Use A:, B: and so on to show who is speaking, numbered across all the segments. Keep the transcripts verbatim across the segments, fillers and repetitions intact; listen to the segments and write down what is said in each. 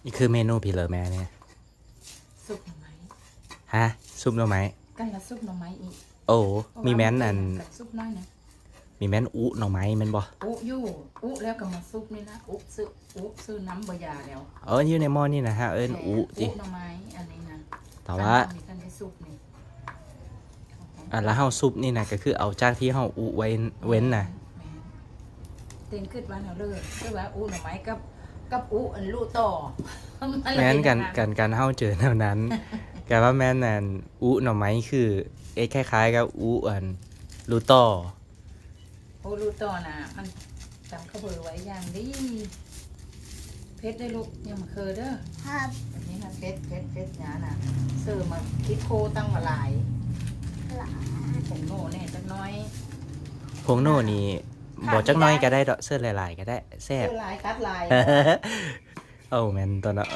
A: นี่คือเมนูพี่เหลือแม่เนี่ย
B: ซุปหน่อไม้
A: ฮะซุปหน่อไม้
B: กันละซุปหน่อไม้อีก
A: โอ้มีแม้นอัน
B: ซุปน้อยนะ
A: มีแม้นอุหน่อไม้แม่นบ่
B: อุยู่อุแล้วก็มาซุปนี่นะอุซื้ออุซื้อน้ำบยาแล้ว
A: เอออยู่ในหม้อนี่นะฮะเอิ้นอุ
B: จิ
A: ติ
B: หน่อไม้อันนี้นะ
A: แต่ว่า
B: มีกันได้ซุปนี่
A: อ่ะแล้วเฮาซุปนี่นะก็คือเอาจากที่เฮาอุไว้เว้นน่ะ
B: เต็งขึ้นวันเอาเลยคือว่าอุหน่อไม้กับกับอุอันลูต่อ
A: แม้นกันกันการเฮาเจอแนวนั้นแต่ว่าแม่นอันอุหน่อไม้คือเอ๊ะคล้ายๆกับอุอันลูต่อ
B: โอ้ลูต่อน่ะมันจำข้าวเบอร์ไว้อย่างดีเพชรได้ลูกยังมาเคยเด้อครับอันนี้นะเพชรเพชรเพชรหนาน่ะเสิร์ฟมาคิดโคตั้งมาหลายผงโน่เนี่ยจักน้อย
A: ผงโน่นี่บ่จักน้อยก็ได้ดอกเสื้อหลายๆก็ได้แซ่บ
B: เสื้อลายคัดลาย
A: เอ้าแม่นตอนนั้น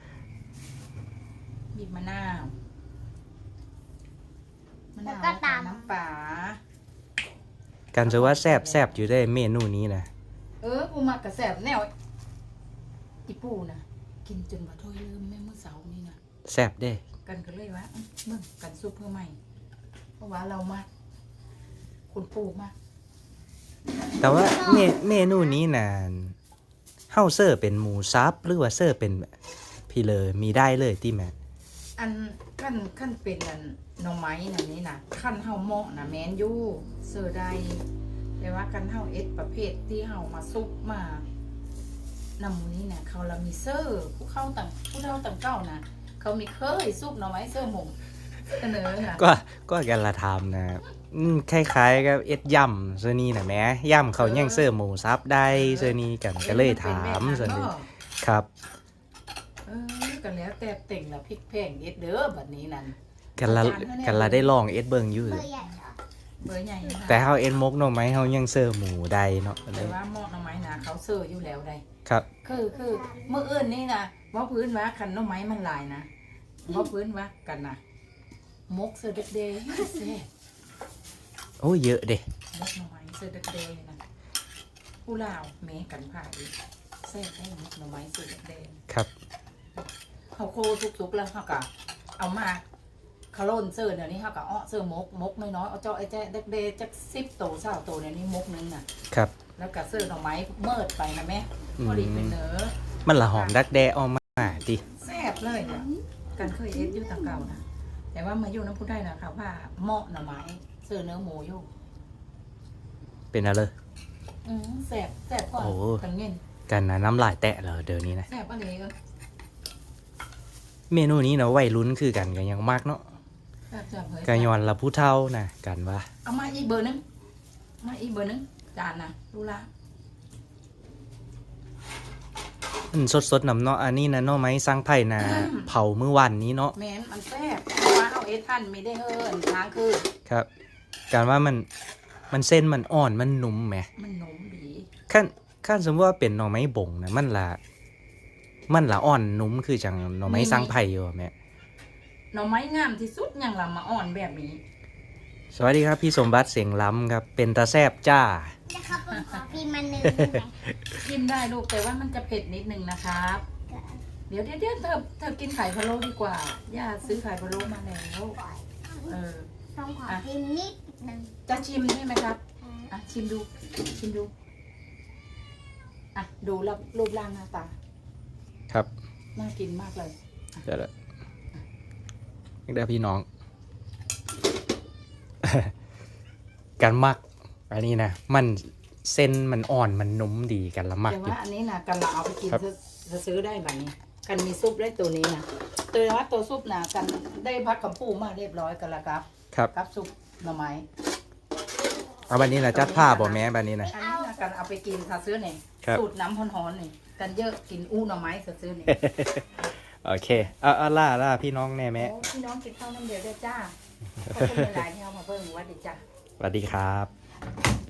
B: บีบมะนาวมะนาวน้ำปลา
A: กันจะว่าแซ่บแซ่บอยู่ได้เมนูนี้นะ
B: เออกูมักกระแสบแนวอีปูนะกินจนบ่ถ้วยลืมแม่เมื่อเสาร์นี่นะ
A: แซ่บเด้
B: กันก็เลยว่าเมื่อกันซุปเพื่อใหม่เพราะว่าเรามากคุณปูมาก
A: แต่ว่าเมเมนูนี้น่ะเฮาเสิร์ฟเป็นหมูซับหรือว่าเสิร์ฟเป็นพี่เลยมีได้เลยที่แม่
B: อันขั้นขั้นเป็นอันหน่อไม้อันนี้นะขั้นเฮาเหมาะนะแมนยูเสิร์ฟได้แต่ว่ากันเฮาเอ็ดประเภทที่เฮามาซุปมานำมูนี้เนี่ยเขาเรามีเซอร์ผู้เข้าต่างผู้เท่าต่างเก้านะเขามีเคยซุปหน่อไม้เซอร์หมงเสนอค่ะ
A: ก็ก็กันละทำนะคล้ายๆกับเอ็ดยำเซอนี่นะแม่ยำเขายังเสิร์ฟหมูซับได้เซอนี่กันก็เลยถามเซอนี่ครับ
B: เออกันแล้วแต่เต่งละพริกแพงเอ็ดเด้อแบบนี้นั่น
A: กันละกันละได้ลองเอ็ดเบิ่งอยู่
B: เบอร์ใหญ่
A: แต่เฮาเอ็ดมกหน่อไม้เฮายังเสิร์ฟหมูได้เนาะ
B: แต่ว่าหม้อหน่อไม้นะเขาเสิร์ฟอยู่แล้วได้
A: ครับ
B: คือคือเมื่ออื่นนี่นะว่าพื้นว่าคันหน่อไม้มันลายนะว่าพื้นว่ากันนะมกเสิร์ฟเด็กๆเซ่
A: โอ้เยอะเด้
B: มกหน่อไม้เสิร์ฟเด็กๆนะผู้ลาวเมกันผ่าอีกเซ่ได้มกหน่อไม้เสิร์ฟเด็ก
A: ๆครับ
B: เขาโคทุกๆแล้วเขาก็เอามาคาร์โลนเสิร์ฟเดี๋ยวนี้เขาก็อ้อเสิร์ฟมกมกน้อยๆเอาเจ้าไอ้แจ๊เด็กๆจักสิบโตเศร้าโตเนี่ยนี่มกนึงน่ะ
A: ครับ
B: แล้วก็เสิร์ฟหน่อไม้เมิดไปนะแม่พอดีเป็นเนื้อ
A: มันละหอมดักแด้ออกมาดิ
B: แซ่บเลยเนี่ยกันเคยเอ็ดอยู่ต่างเก่านะแต่ว่ามาอยู่น้ำพุได้นะค่ะว่าเหมาะหน่อไม้เสิร์ฟเนื้อหมูอยู่
A: เป็นอะไร
B: อืมแซ่บแซ่บก่อนกันเงิน
A: กันนะน้ำลายแตะเลยเดี๋ยวนี้นะ
B: แซ่บอะไรก็
A: เมนูนี้เนาะวัยรุ่นคือกันกันยังมากเนาะกันย้อนละผู้เฒ่านะกันว่า
B: เอามาอีกเบอร์นึงมาอีกเบอร์นึงจานนะดูละ
A: อืมสดๆน้ำเนาะอันนี้นะเนาะไม้สร้างไผ่นะเผาเมื่อวันนี้เนาะ
B: แม่นมันแซ่บว่าเอาเอทันไม่ได้เฮิร์นทางคือ
A: ครับการว่ามันมันเส้นมันอ่อนมันนุ่มไหม
B: มันนุ่มดี
A: ขั้นขั้นสมมติว่าเป็นหน่อไม้บ่งนะมันละมันละอ่อนนุ่มคือจังหน่อไม้สร้างไผ่อยู่แม่
B: หน่อไม้งามที่สุดอย่างละมาอ่อนแบบนี้
A: สวัสดีครับพี่สมบัติเสียงล้ำครับเป็นตาแซบจ้า
C: นะครับผมขอพิมพ์มันหนึ่ง
B: กินได้ลูกแต่ว่ามันจะเผ็ดนิดนึงนะครับเดี๋ยวเดี๋ยวเดี๋ยวเธอเธอกินไข่พะโล้ดีกว่าย่าซื้อไข่พะโล้มาแล้วเออ
C: ต้องขอพิมพ์นิดนึง
B: จะชิมใช่ไหมครับอ่ะชิมดูชิมดูอ่ะดูรูปรูปร่างหน้าตา
A: ครับ
B: น่ากินมากเลย
A: เดี๋ยวละเดี๋ยวพี่น้องการมักอันนี้นะมันเส้นมันอ่อนมันนุ่มดีกันละมัก
B: แต่ว่าอันนี้นะกันเราเอาไปกินจะซื้อได้แบบนี้กันมีซุปได้ตัวนี้นะตัวว่าตัวซุปนะกันได้พักกับปูมาเรียบร้อยกันละครับ
A: ครับ
B: กับซุปหน่อไม้
A: เอาบันนี้นะจัดผ้าบ่แม่บันนี้นะ
B: อันนี้นะกันเอาไปกินซาซื้อเนี่ยสูตรน้ำฮ้อนๆนี่กันเยอะกินอู้หน่อไม้ซาซื้อเนี่ย
A: โอเคเอาเอาล่าล่าพี่น้องแน่แม่
B: พี่น้องกินข้าวน้ำเดียวได้จ้าขอบคุณหลายๆที่เอามาเพิ่มวัดดีจ้า
A: สวัสดีครับ